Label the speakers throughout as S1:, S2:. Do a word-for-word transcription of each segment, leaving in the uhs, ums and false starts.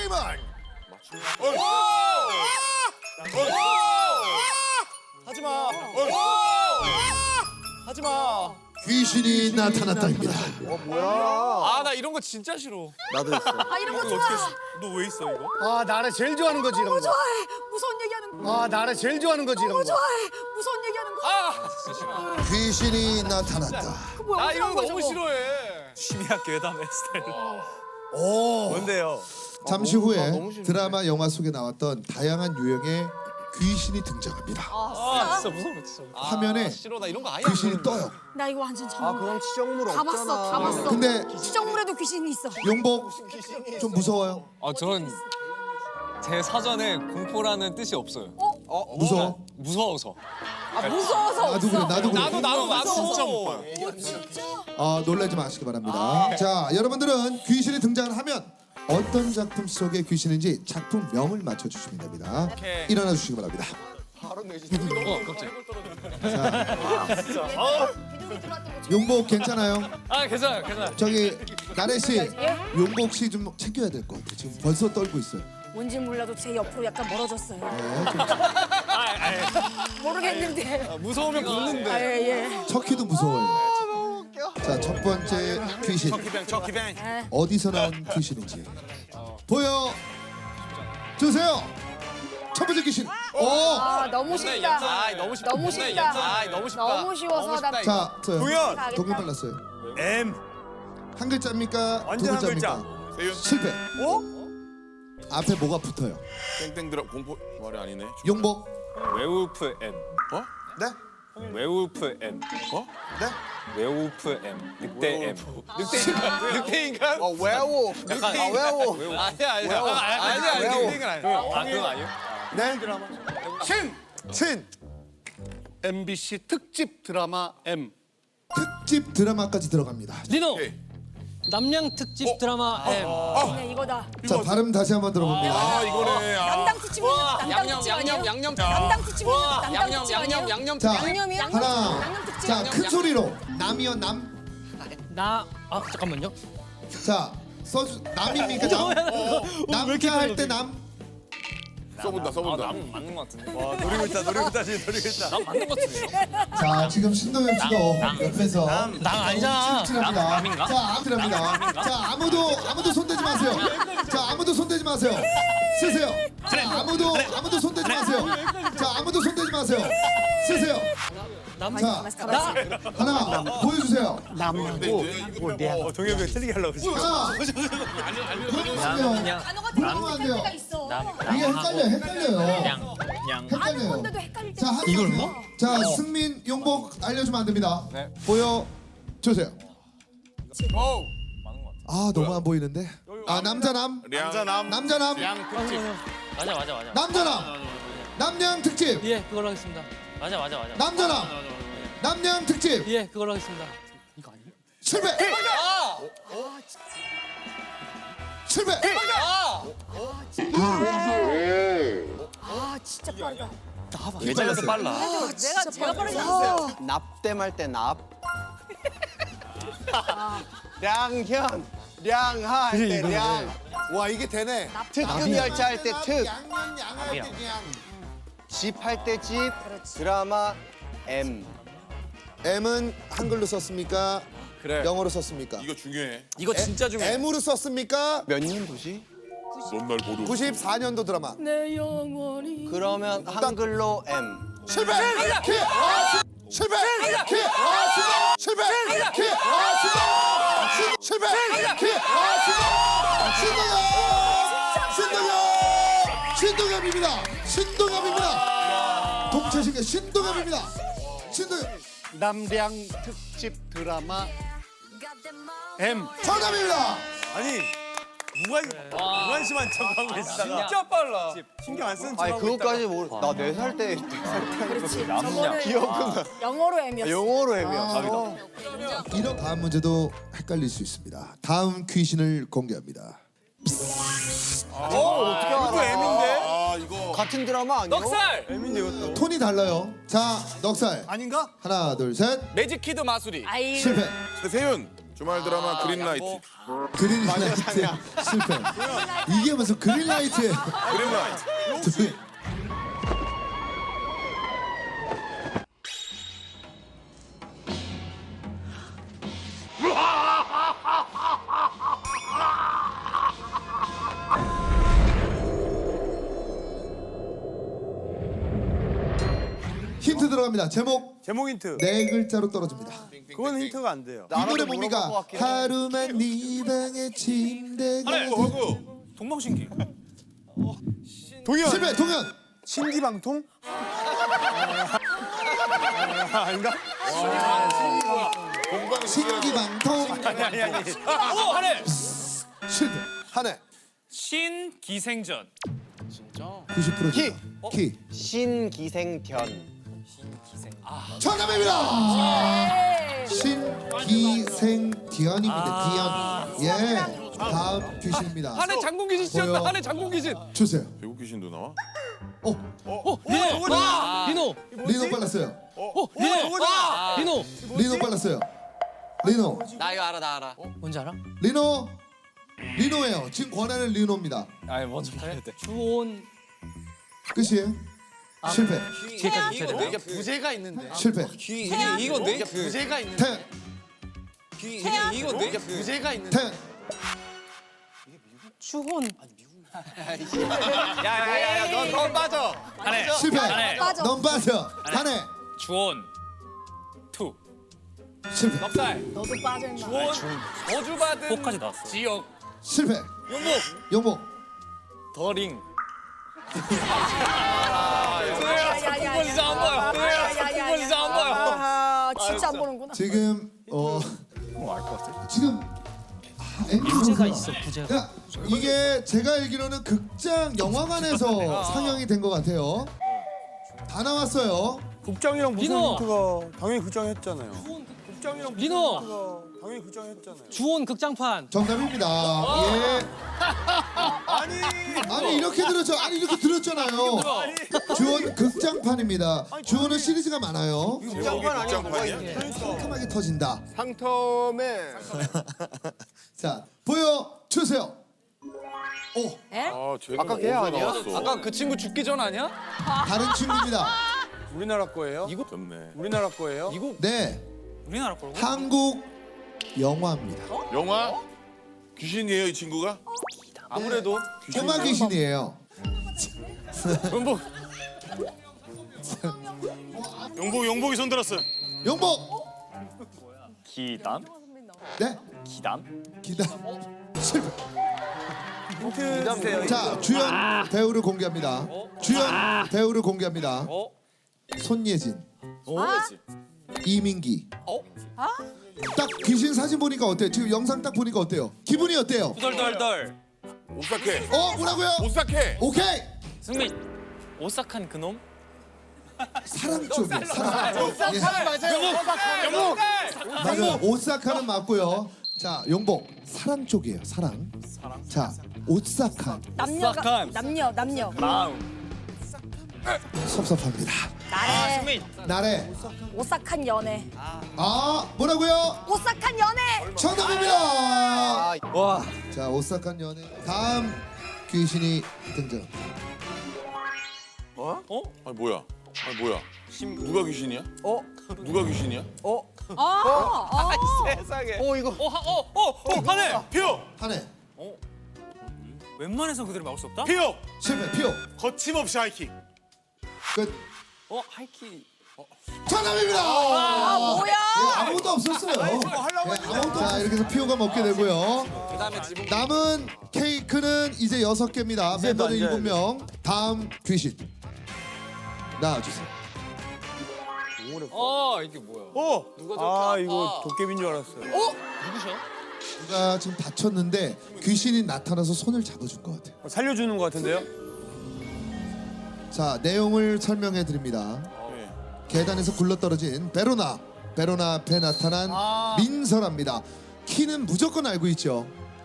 S1: 타임은
S2: 하지마. 하지마.
S1: 귀신이 나타났다입니다.
S2: 아, 나 이런 거 진짜 싫어.
S3: 나도 있어.
S4: 아 이런 거 좋아.
S2: 너 왜 있어 이거?
S5: 아 나를 제일 좋아하는 거지 이런 거.
S4: 좋아해. 무서운 얘기하는 거.
S5: 아 나를 제일 좋아하는 거지 이런 거.
S4: 좋아해. 무서운 얘기하는 거.
S2: 아, 진짜 싫어.
S1: 귀신이 나타났다.
S4: 그 뭐야?
S2: 나 이런 거
S4: 어떡한 거야,
S2: 너무
S4: 저거?
S2: 싫어해. 심야 괴담의 스타일.
S5: 오.
S2: 뭔데요?
S1: 잠시 후에
S3: 너무 싫은데.
S1: 드라마 영화 속에 나왔던 다양한 유형의 귀신이 등장합니다.
S2: 아, 진짜 무서워 진짜.
S1: 화면에
S2: 아, 싫어. 나 이런 거 아예
S1: 귀신이 떠요.
S4: 나 이거 완전 전.
S3: 아 그럼 치정물
S4: 다
S3: 없잖아.
S4: 봤어, 다 봤어.
S1: 근데
S4: 시정물에도 귀신이 있어.
S1: 용복 좀 무서워요?
S6: 아, 전 제 사전에 공포라는 뜻이 없어요.
S1: 무서워?
S6: 무서워서.
S4: 아 무서워서
S1: 나도 그래,
S4: 없어.
S1: 나도 그래.
S2: 나도 나도 나도 진짜 못 봐요.
S1: 아, 놀라지 마시기 바랍니다. 자, 여러분들은 귀신이 등장을 하면 어떤 작품 속의 귀신인지 작품명을 맞춰주시면 됩니다.
S2: 오케이.
S1: 일어나 주시기 바랍니다.
S3: 바로 내지.
S6: 어, 갑자기.
S1: 용복 괜찮아요?
S6: 아, 괜찮아요, 괜찮아요.
S1: 저기 나래 씨, 용복 씨 좀 챙겨야 될 것 같아요. 지금 벌써 떨고 있어요.
S4: 뭔지 몰라도 제 옆으로 약간 멀어졌어요.
S1: 네, 좀
S4: 모르겠는데.
S2: 무서우면 굽는데.
S4: 아, 예, 예.
S1: 척키도 무서워요. 자, 첫 번째 귀신
S2: 기뱅 저 기뱅.
S1: 어디서 나온 귀신인지 보여 주세요. 첫 번째 귀신. 오,
S4: 아 너무 쉽다.
S2: 아, 너무 쉽다.
S4: 너무 쉽다.
S2: 아, 너무 쉽다.
S4: 너무 쉬워서 나.
S1: 자, 저요.
S2: 동현.
S1: 동현 빨랐어요.
S2: M.
S1: 한 글자입니까? 두
S2: 완전 한
S1: 글자입니까? 실패.
S2: 어?
S1: 앞에 뭐가 붙어요?
S7: 땡땡 들어 공포 말이 아니네.
S1: 용복.
S6: 웨울프 M.
S7: 어?
S1: 네?
S6: 웨울프 M.
S7: 어?
S1: 네?
S6: 웨울프 M. 늑대 M.
S2: 늑대 늑대인간?
S3: 어 외워. 아 외워.
S2: 아니야 아니야. 아니야 아니야. 늑대인간 아니야.
S6: 아, 그건 아니에요?
S1: 네?
S5: 신.
S1: 신.
S5: 엠비씨 특집 드라마 M.
S1: 특집 드라마까지 들어갑니다.
S8: 리노
S7: 오케이.
S8: 남양 특집 드라마 M.
S4: 네 이거다.
S1: 자, 발음 다시 한번 들어봅니다.
S7: 아 이거네. 아.
S4: 남당 특집 남당
S2: 양념
S4: 특집
S2: 양념
S4: 아니에요?
S2: 양념.
S4: 남당 특집 남당
S2: 양념
S4: 특집
S2: 양념
S4: 아니에요?
S2: 양념.
S1: 자,
S4: 양념이야?
S1: 하나.
S4: 양념 특집.
S1: 자,
S4: 양념,
S1: 큰
S4: 양념.
S1: 소리로. 남이요, 남.
S8: 나 아 잠깐만요.
S1: 자, 써주 남입니까? 남. 남자 할 때 남.
S7: 써본다 써본다.
S6: 아, 남 맞는 것 같은데.
S2: 와 노리고 있다 노리고 있다 지금 노리고 있다.
S6: 남 맞는 것 같은데요?
S1: 자, 지금 신동엽 씨도 옆에서
S8: 남 아니잖아.
S1: 칠칠합니다.
S6: 남인가?
S1: 자, 아무랍니다. 자, 아무도 아무도 손대지 마세요. 자, 아무도 손대지 마세요. 쓰세요. 자, 아무도 아무도 손대지 마세요. 자, 아무도 손대지 마세요. 쓰세요. 자, 하나 보여주세요.
S7: 남고
S2: 어, 동엽이 틀리게 하려고 그러지.
S1: 하나. 그러면 물어보면 안 돼요. 이게 헷갈려, 헷갈려요.
S6: 양.
S4: 아는
S1: 헷갈려요.
S4: 건데도 헷갈릴 때.
S1: 자, 한
S8: 이걸
S1: 번 더.
S8: 뭐?
S1: 자, 승민, 용복 알려주면 안 됩니다.
S6: 네.
S1: 보여 주세요.
S7: 오.
S6: 맞는 것 같아.
S1: 아, 너무 안 보이는데. 아, 남자남,
S7: 남자남.
S1: 남자남,
S2: 양 특집.
S8: 맞아 맞아 맞아.
S1: 남자남, 남양 특집,
S8: 예 그걸로 하겠습니다. 맞아 맞아 맞아.
S1: 남자남, 남양 특집.
S8: 예 그걸로 하겠습니다. 이거 아니에요?
S1: 실패. 실패.
S4: 아 진짜 빠르다.
S2: 예전에 더 빨라.
S4: 내가 제가 빠르다.
S3: 납땜할 때 납. 량현. 량하 할 때 량.
S5: 와 이게 되네.
S3: 특급 열차 할 때 특.
S1: 양양 양할 때 양.
S3: 집 할 때 집. 드라마 M.
S1: M은 한글로 썼습니까?
S2: 그래.
S1: 영어로 썼습니까?
S7: 이거 중요해.
S2: 이거 진짜 중요해.
S1: M으로 썼습니까?
S3: 몇 년도지?
S7: 넌 날 모르.
S1: 구십사 년도 드라마.
S4: 내 영원히.
S3: 그러면 한글로 M.
S1: 실패. 키. 아, 시- 실패. 키. 아, 시- 실패. 키. 아, 시- 시- 실패. 키. 아, 시- 신동엽. 신동엽. 신동엽입니다. 신동엽입니다. 동체신계 신동엽입니다. 신동엽.
S5: 남량 특집 드라마 M.
S1: 정답입니다.
S2: 아니 누가 무관심한 척하고 계시다가 진짜 빨라. 신경 안 쓰는
S3: 아니
S2: 척하고
S3: 그것까지 모르. 나 네 살 때.
S4: 그렇지. 저거는
S3: 기억은
S4: 영어로 M이었어.
S3: 영어로 M이었어.
S1: 이런 다음 문제도 헷갈릴 수 있습니다. 다음 귀신을 공개합니다.
S3: 어떻게
S2: 이거
S3: 알아?
S2: M인데?
S7: 아 이거.
S3: 같은 드라마 아니야?
S6: 넉살.
S2: M인데 이것도.
S1: 톤이 달라요. 자, 넉살.
S5: 아닌가?
S1: 하나, 둘, 셋.
S2: 매직 키드 마술이.
S4: 아이.
S1: 실패.
S7: 세윤. 주말 드라마 그린라이트.
S1: 그린라이트 실패. 이게 무슨 그린라이트에
S7: 그린라이트.
S1: 힌트 들어갑니다. 제목
S2: 제목 힌트.
S1: 네 글자로 떨어집니다.
S2: 그건 힌트가 안 돼요.
S1: 이 노래 뭡니까? 하루만 네 방에 침대가
S7: 허구.
S2: 동방신기. 동현.
S1: 실패. 동현.
S2: 신기방통? 아, 아닌가?
S1: 신기방통
S2: 아니 아니.
S8: 오 하네.
S1: 실패.
S2: 한해.
S8: 신기생전.
S1: 구십 퍼센트 키.
S3: 신기생견.
S1: 정답입니다. 신기생디언입니다. 디언. 예. 다음 귀신입니다.
S6: 한해 장군 귀신
S1: 보여.
S6: 씌었다. 한해 장군 귀신.
S1: 주세요.
S7: 배국 귀신도 나와?
S1: 어,
S8: 리노. 와. 리노.
S1: 리노 빨랐어요.
S8: 어 리노. 와. 리노.
S1: 리노 빨랐어요. 리노.
S6: 나 이거 알아 나 알아.
S8: 뭔지 알아?
S1: 리노. 리노예요. 지금 권하는 리노입니다.
S6: 아니 먼저 봐야 돼.
S8: 주온.
S1: 끝이에요. 실패.
S8: 뒤에까지 붙여야 돼.
S5: 이게 부제가 있는데.
S1: 실패.
S6: 귀 이게 이건데? 그
S5: 부제가 있는데.
S1: 태연.
S6: 귀 이게 이건데? 그
S5: 부제가 있는데.
S1: 태연.
S4: 주혼.
S6: 야야야야 넌 넌 빠져.
S8: 한해.
S1: 실패.
S8: 한해.
S4: 빠져.
S1: 넌 빠져. 한해.
S8: 주온. 투.
S1: 실패.
S6: 넉살.
S4: 너도 빠져 임마.
S6: 주원. 저주받은
S8: 포까지 나왔어.
S6: 지역.
S1: 실패.
S6: 용복.
S1: 용복.
S6: 더링.
S4: 야야야야.
S6: 그건 이상 안 봐요. 그건 이상 안 봐요.
S4: 아, 진짜 안 보는구나.
S1: 지금 어 지금 아, 엠비
S8: 부제가
S1: 선수가-
S8: 있어. 부제가.
S1: 야, 이게 제가 알기로는 극장 영화관에서 상영이 된 것 같아요. 다 나왔어요.
S2: 국장이랑 무슨
S8: 리노.
S2: 힌트가 당연히 국장 했잖아요. 국장이랑 무슨
S8: 리노.
S2: 힌트가 당연히 국장 했잖아요.
S8: 주온 극장판.
S1: 정답입니다. 예.
S2: 아니.
S1: 아니 이렇게 들었죠. 아니 이렇게 들었잖아요. 주원 극장판입니다. 주원은 시리즈가 많아요.
S7: 제목이 극장판이야?
S1: 상큼하게 터진다.
S2: 상텀에
S1: 자 보여 주세요. 오
S7: 아, 쟤가
S3: 아까 걔 아니야?
S7: 나왔어.
S6: 아까 그 친구 죽기 전 아니야?
S1: 다른 친구입니다.
S2: 우리나라 거예요?
S6: 이거
S7: 졌네.
S2: 우리나라 거예요?
S6: 이거
S1: 네
S8: 우리나라 거고.
S1: 한국 영화입니다.
S7: 영화? 귀신이에요, 이 친구가?
S2: 아무래도
S1: 꼬마 귀신이에요.
S6: 용복.
S7: 용복, 용복이 손 들었어.
S1: 용복.
S6: 기담.
S1: 네
S6: 기담.
S1: 기다 실패.
S2: 힌트 주세요.
S1: 자 주연 배우를 공개합니다. 주연 배우를 공개합니다.
S6: 어?
S1: 손예진,
S6: 뭐지?
S1: 이민기.
S6: 어?
S1: 딱 귀신 사진 보니까 어때요? 지금 영상 딱 보니까 어때요? 기분이 어때요?
S8: 덜덜덜.
S7: 오싹해.
S1: 어 뭐라고요?
S7: 오싹해.
S1: 오케이.
S8: 승민. 오싹한 그놈.
S1: 사랑 쪽이에요. 사랑. 예.
S6: 용복.
S1: 맞아요. 오사카는 맞고요. 자 용복 사랑 쪽이에요. 사랑. 자 오사카
S4: 남녀가
S6: 오싹한.
S4: 남녀 남녀.
S6: 마음.
S1: 섭섭합니다.
S4: 나래.
S8: 승민.
S1: 나래.
S4: 오싹한 연애.
S1: 아 뭐라고요?
S4: 오싹한 연애.
S1: 정답입니다.
S6: 와.
S1: 자 오사카 연애. 다음 귀신이 등장.
S7: 어? 아니 뭐야? 아니 뭐야? 누가 귀신이야?
S2: 어?
S7: 누가 귀신이야?
S2: 어?
S4: 아, 아.
S2: 세상에.
S6: 어 이거. 어어어어 한해.
S7: 피오!
S1: 한해
S8: 웬만해서 그대로 막을 수 없다?
S7: 피오!
S1: 실패. 피오
S7: 거침없이 하이킥.
S1: 끝.
S6: 어 하이키.
S1: 정답입니다.
S4: 아, 뭐야?
S1: 예, 아무것도 없었어요. 예, 아무것도 자 이렇게 해서 피오가 먹게 되고요.
S6: 그다음에 지붕.
S1: 남은 케이크는 이제 여섯 개입니다. 멤버는
S2: 앉아야
S1: 일곱 명. 다음 귀신 나와주세요.
S6: 어 이게 뭐야?
S2: 어?
S6: 누가 저렇게
S2: 아
S6: 아파?
S2: 이거 도깨비인 줄 알았어요.
S8: 누구셔?
S1: 누가 지금 다쳤는데 귀신이 나타나서 손을 잡아준 것 같아요.
S2: 살려주는 것 같은데요?
S1: 자 내용을 설명해 드립니다.
S7: 네.
S1: 계단에서 굴러떨어진 베로나 베로나 앞에 나타난 민설아입니다. 키는 무조건 알고 있죠.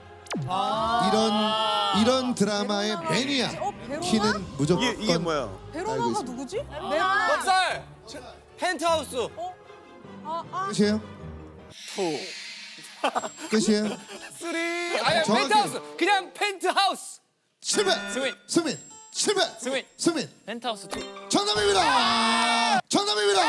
S1: 이런 이런 드라마의 매니아.
S4: 어, 베로나?
S1: 키는 무조건
S2: 이게 이게 뭐야?
S1: 알고
S4: 베로나가
S1: 있습니다.
S4: 누구지? 베로나.
S6: 넉살. 펜트하우스.
S4: 아, 아.
S1: 끝이에요? 끝이에요.
S2: 쓰리. 아니
S1: 정확히.
S2: 펜트하우스. 그냥 펜트하우스.
S1: 실패.
S8: 스윗.
S1: 승민. 실패.
S8: 스윗.
S1: 승민.
S8: 펜트하우스 투.
S1: 정답입니다. 정답입니다.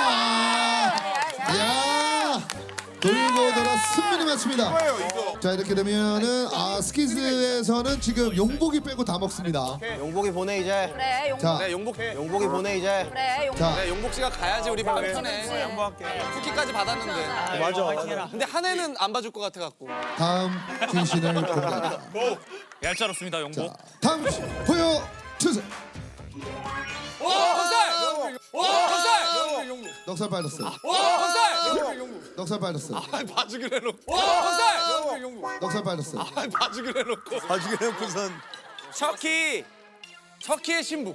S1: 야, 돌고 돌아 승민이 맞춥니다. 자, 이렇게 되면은 아 스키즈에서는 지금 용복이 빼고 다 먹습니다.
S3: 용복이 보내 이제.
S4: 그래 용.
S1: 자,
S2: 네 용복.
S3: 용복이 보내 이제.
S4: 그래 용.
S1: 자,
S2: 네 용복 씨가 가야지 우리 밥 편해. 양보할게. 쿠키까지 받았는데.
S3: 맞아. 맞아.
S2: 근데 한 해는 안 봐줄 것 같아 갖고.
S1: 다음 귀신을 공개합니다.
S8: 얄짤없습니다
S1: 자,
S8: 용복.
S1: 다음 귀신 보여 주세요.
S2: 와 건살. 와 건살.
S1: 넉살 빠졌어요.
S2: 와 건살.
S1: 넉살 빠졌어요.
S2: 봐주기로 해놓고. 와 건살.
S1: 넉살 빠졌어요.
S2: 봐주기로 해놓고. 봐주기로 해놓고선. 척키. 척키의 신부.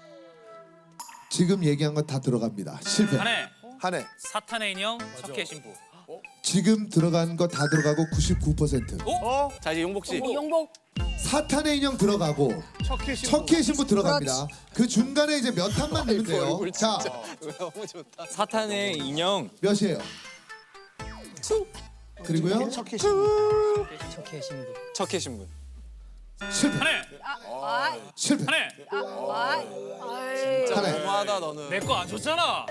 S1: 지금 얘기한 건 다 들어갑니다. 실패.
S8: 한해
S2: 한 해.
S8: 사탄의 인형 척키의 신부.
S1: 지금 들어간 거 다 들어가고 구십구 퍼센트.
S2: 어? 자 이제 용복 씨.
S4: 용복.
S1: 사탄의 인형 들어가고 척키의 신부 들어갑니다. 그 중간에 이제 몇 탄만 넣으면 돼요. 자,
S2: 너무 좋다.
S8: 사탄의 인형
S1: 몇이에요? 그리고요?
S8: 척키의 신부. 척키의 신부.
S1: 실패.
S8: 한해
S4: 아.
S1: 실패.
S8: 한해
S4: 아. 아이.
S1: 하나.
S2: 너무하다 너는.
S8: 내 거 안 줬잖아.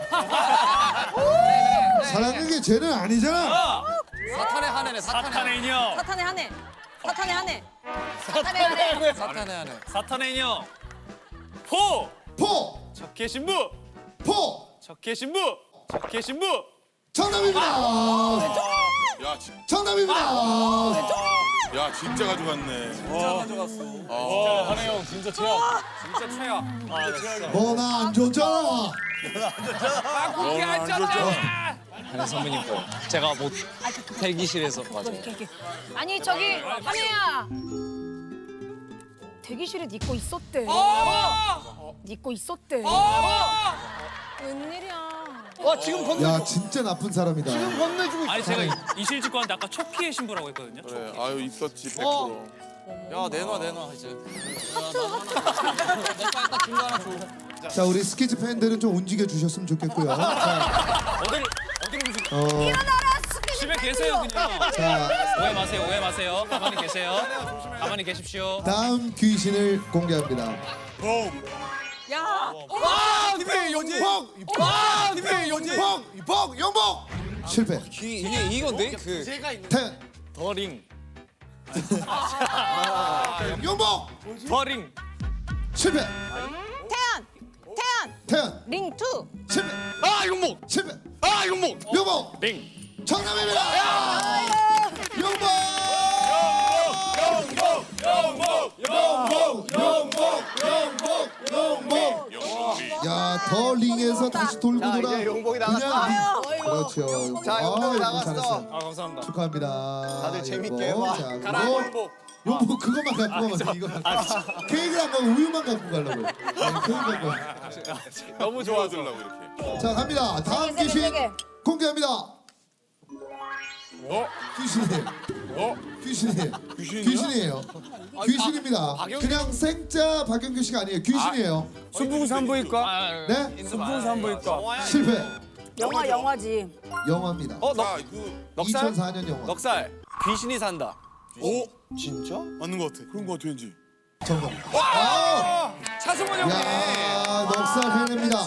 S1: 사랑하는 게 쟤는 아니잖아.
S2: 사탄의 한 해네. 사탄의
S8: 사탄의 인형.
S4: 사탄의 한 해. 사탄의 한 해. 사탄의 한 해.
S2: 사탄의 한 해.
S8: 사탄의 인형. 포.
S1: 포!
S8: 척키의 신부.
S1: 포!
S8: 척키의 신부. 척키의 신부.
S1: 정답입니다.
S7: 야, 진,
S1: 정답입니다.
S7: 야 진짜 가져갔네.
S2: 진짜 가져갔어.
S8: 와 한해 형 진짜 최악.
S2: 진짜 최악.
S1: 뭐 나 안 줬잖아.
S2: 쿠키 안 짰잖아.
S8: 한해 선배님 거. 제가 뭐 대기실에서 맞아요.
S4: 아니 저기 한혜야. 대기실에 네 거 있었대.
S2: 어!
S4: 네 거 있었대.
S2: 어!
S4: 웬일이야.
S2: 와 지금 건.
S1: 야, 진짜 나쁜 사람이다.
S8: 아니 제가 이실직고한테 아까 척키의 신부라고 했거든요.
S7: 그래, 아유 있었지 백 퍼센트.
S2: 야 내놔 내놔 이제.
S1: 자, 우리 스키즈 팬들은 좀 움직여 주셨으면 좋겠고요. 자,
S8: 어디를 어디를 무슨
S1: 어,
S8: 집에 계세요 그냥.
S1: 자,
S8: 오해 마세요 오해 마세요. 가만히 계세요. 가만히 계십시오.
S1: 다음 귀신을 공개합니다.
S4: 야.
S2: 와 님의 연지. 와 님의 연지.
S1: 복! 복! 영복! 실패.
S8: 이게 이건데 그
S1: 태연.
S8: 더링
S1: 영복!
S8: 더링
S1: 실패.
S4: 태연. 태연.
S1: 태연.
S4: 링 투.
S1: 실패.
S8: 아 용목
S1: 실패.
S8: 아 용목
S1: 영복!
S8: 링
S1: 정답입니다. 영복! 야, 더 링에서 다시 돌고
S3: 자,
S1: 돌아.
S3: 이제 용복이
S1: 그냥
S3: 나갔어.
S1: 링. 그렇죠.
S3: 자, 용복이
S1: 아이고,
S3: 나갔어.
S1: 잘했어.
S8: 아 감사합니다.
S1: 축하합니다.
S3: 다들 재밌게
S1: 용복.
S3: 해봐.
S1: 자,
S2: 가라
S1: 그리고
S2: 용복.
S1: 용복 그거만 갖고 가면 돼. 이거. 케이크를 안 가고 우유만 갖고 가려고. 아니, 케이크 갖고 가.
S2: 너무 좋아.
S7: 도와주려고 이렇게.
S1: 자, 갑니다. 다음
S4: 세 개,
S1: 귀신
S4: 세 개.
S1: 공개합니다.
S7: 어?
S1: 귀신이에요.
S7: 어?
S1: 귀신이에요.
S7: 귀신이야?
S1: 귀신이에요. 귀신입니다.
S2: 박영규.
S1: 그냥 생자 박영규 씨가 아니에요. 귀신이에요.
S2: 순풍산부인과.
S1: 네?
S2: 순풍산부인과.
S1: 실패.
S4: 영화 영화지.
S1: 영화입니다.
S2: 어
S7: 자,
S2: 넉.
S7: 그
S2: 넉살.
S1: 이천사 년 영화.
S2: 넉살. 귀신이 산다.
S7: 오? 진짜? 맞는 것 같아. 그런 것 같아 왠지.
S1: 정답. 아!
S2: 차승원 형님.
S1: 야, 넉살 해냅니다.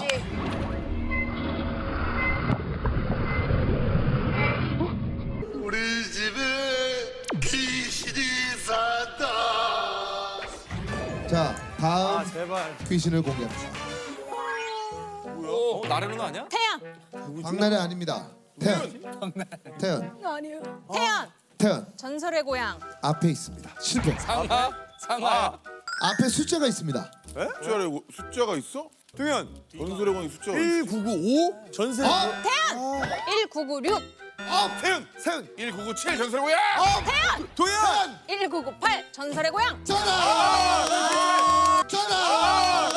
S5: 우리 집에 귀신이 산다.
S1: 자, 다음
S2: 제발.
S1: 귀신을 공개합니다.
S2: 어 나래 누나 아니야?
S4: 태연.
S1: 박나래 아닙니다. 태연. 태연.
S4: 아니에요. 태연.
S1: 태연.
S4: 전설의 고향.
S1: 앞에 있습니다. 실패.
S2: 상하. 상하.
S1: 앞에 숫자가 있습니다.
S7: 숫자를 숫자가 있어?
S2: 동현.
S7: 전설의 광이 숫자가 있어.
S2: 일구구오. 전세.
S1: 어?
S4: 태연. 일구구육.
S1: 어?
S7: 태연!
S1: 태연.
S7: 일구구칠 전설의 광!
S4: 태연.
S2: 동현.
S4: 일구구팔. 전설의 고향.
S1: 전화! 전화!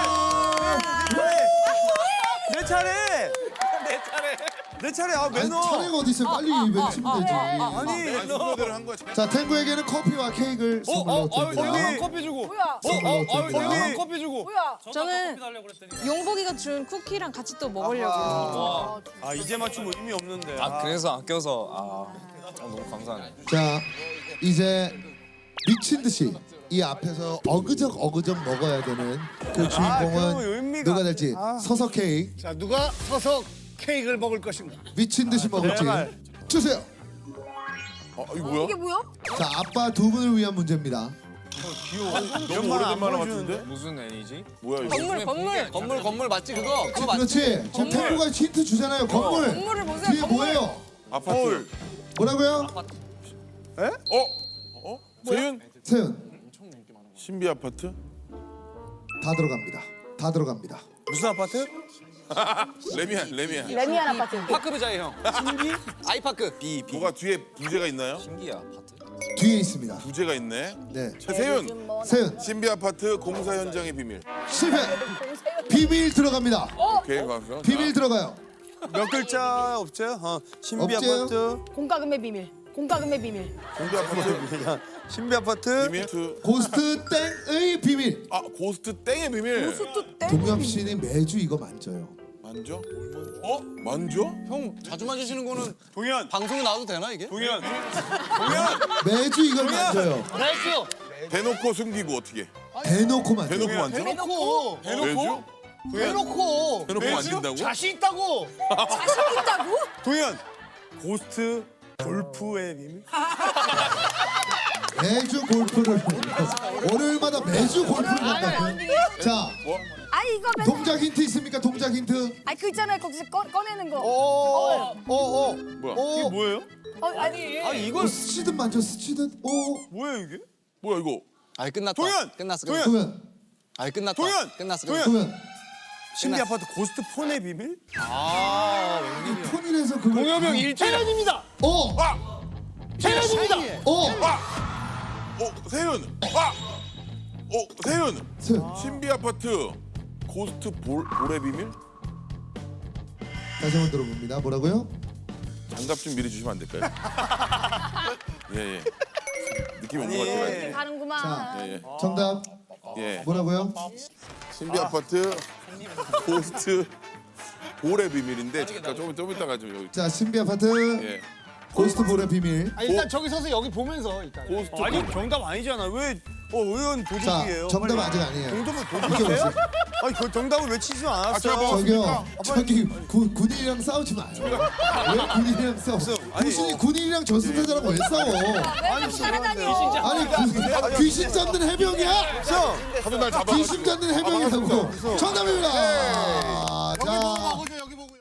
S2: 내 차례. 내 차례. 내 차례. 아
S1: 아니,
S2: 매너.
S1: 차례가 어디 있어요? 빨리 외치면 되지.
S2: 아니
S7: 아니 순서대로 한 거야.
S1: 자, 탱구에게는 커피와 케이크를 선물로 드립니다.
S2: 언니 커피 주고.
S4: 뭐야?
S1: 선물로 드립니다.
S2: 언니 커피 주고.
S4: 뭐야?
S8: 저는 커피 달라고 그랬더니
S4: 용복이가 준 쿠키랑 같이 또 먹으려고.
S2: 아 이제 맞추면 의미 없는데.
S6: 아 그래서 아껴서 아 너무 감사하네.
S1: 자, 이제 미친 듯이 이 앞에서 어그적 어그적 먹어야 되는 그 주인공은
S2: 그 의미가-
S1: 누가 될지
S2: 아.
S1: 서서 케이크
S9: 자, 누가 서서 케이크를 먹을 것인가?
S1: 미친 듯이 먹을지
S2: 정말.
S1: 주세요.
S7: 어, 이거 뭐야?
S4: 이게 뭐야?
S1: 자, 아빠 두 분을 위한 문제입니다.
S7: 너무 오래된 만화 같은데?
S6: 무슨 애니지?
S7: 뭐야 이거?
S4: 건물 건물.
S6: 건물 건물 맞지 그거? 그거 맞지?
S1: 그렇지. 지금 태구가 힌트 주잖아요. 건물.
S4: 건물을 보세요.
S1: 뒤에
S4: 건물.
S1: 뭐예요?
S7: 아파트.
S1: 뭐라고요?
S7: 어? 어? 세윤?
S1: 세윤.
S7: 신비 아파트?
S1: 다 들어갑니다. 다 들어갑니다.
S2: 무슨 아파트?
S7: 레미안, 레미안.
S4: 레미안 아파트.
S6: 파크부자의 형. 신기? 아이파크. B B.
S7: 뭐가 뒤에 부제가 있나요?
S6: 신기야 아파트.
S1: 뒤에 있습니다.
S7: 부제가 있네.
S1: 네.
S7: 세윤.
S1: 세윤.
S7: 신비 아파트 공사 현장의 비밀.
S1: 실패. 비밀 들어갑니다.
S7: 오케이, 가서.
S1: 비밀 들어가요.
S2: 몇 글자 없죠? 어, 신비
S1: 없지요?
S2: 아파트.
S4: 공과금의 비밀. 공과금의 비밀.
S7: 신비 아파트
S2: 신비 아파트.
S7: 비밀. 트-
S1: 고스트 땡의 비밀.
S7: 아, 고스트 땡의 비밀.
S4: 수트 때.
S1: 동엽 씨는 매주 이거 만져요.
S7: 만져? 어? 만져?
S6: 형 자주 만지시는 거는
S2: 동현.
S6: 방송에 나와도 되나 이게?
S2: 동현. 동현.
S1: 매주 이걸 만져요.
S7: 대놓고 숨기고 어떻게?
S1: 대놓고 만져요.
S7: 대놓고 만져?
S9: 대놓고.
S7: 대놓고?
S9: 대놓고.
S7: 대놓고 만진다고?
S9: 자신 있다고.
S4: 자신 있다고?
S2: 동현. 고스트 골프의 비밀?
S1: 매주 골프를 월요일마다 매주 골프를 간다고요. 자,
S4: 아 이거 맨.
S1: 동작 힌트 있습니까? 동작 힌트.
S4: 아 그 있잖아요. 거기서 꺼, 꺼내는 거.
S9: 어, 어, 어.
S7: 뭐야?
S2: 이게 뭐예요?
S4: 어, 아니.
S6: 아 이걸
S1: 어, 스치듯 만져 스치듯. 오,
S2: 뭐야 이게?
S7: 뭐야 이거?
S6: 아이 끝났다.
S2: 동현!
S6: 끝났어.
S2: 동현!
S6: 끝났어.
S1: 동현,
S6: 아이 끝났다.
S2: 동현!
S6: 끝났어.
S2: 동현!
S6: 끝났어.
S1: 동현.
S2: 신비 아파트 고스트 폰의 비밀?
S1: 이 폰이라서 그걸.
S6: 동엽이 형 일주일.
S9: 태연입니다.
S1: 어,
S9: 태연입니다.
S1: 어,
S7: 어, 세윤. 아! 어, 세윤.
S1: 세윤.
S7: 신비 아파트 고스트 볼, 볼의 비밀?
S1: 다시 한번 들어봅니다. 뭐라고요?
S7: 장갑 좀 미리 주시면 안 될까요? 예, 예. 느낌 온것 같아요.
S4: 가는구만.
S1: 자.
S7: 예, 예.
S1: 정답
S7: 예.
S1: 뭐라고요?
S7: 신비 아파트 고스트 볼의 비밀인데 잠깐 좀, 좀 이따가 좀 여기.
S1: 자, 신비 아파트
S7: 예.
S1: 고스트 볼의 비밀.
S9: 아, 일단 저기 서서 여기 보면서 일단.
S7: 고스트
S2: 아니
S7: 볼.
S2: 정답 아니잖아. 왜? 어 의원
S1: 자,
S2: 도둑이에요.
S1: 정답
S2: 빨리.
S1: 아직 아니에요.
S2: 정답을
S1: 이게
S2: 도둑이세요?
S1: 뭐지?
S2: 아니 그 정답을 외치지
S7: 아,
S2: 않았어.
S7: 제가 먹었-
S1: 저기요, 저기 구, 군인이랑 싸우지 마요. 왜 군인이랑 싸워? 당신이 군인이랑 저승사자랑 왜 싸워?
S4: 왜 따라다녀?
S1: 아니 구, 귀신 잡는 해병이야?
S7: 하는 날 잡아가지고.
S1: 귀신 잡는 해병이라고. 정답입니다. 자,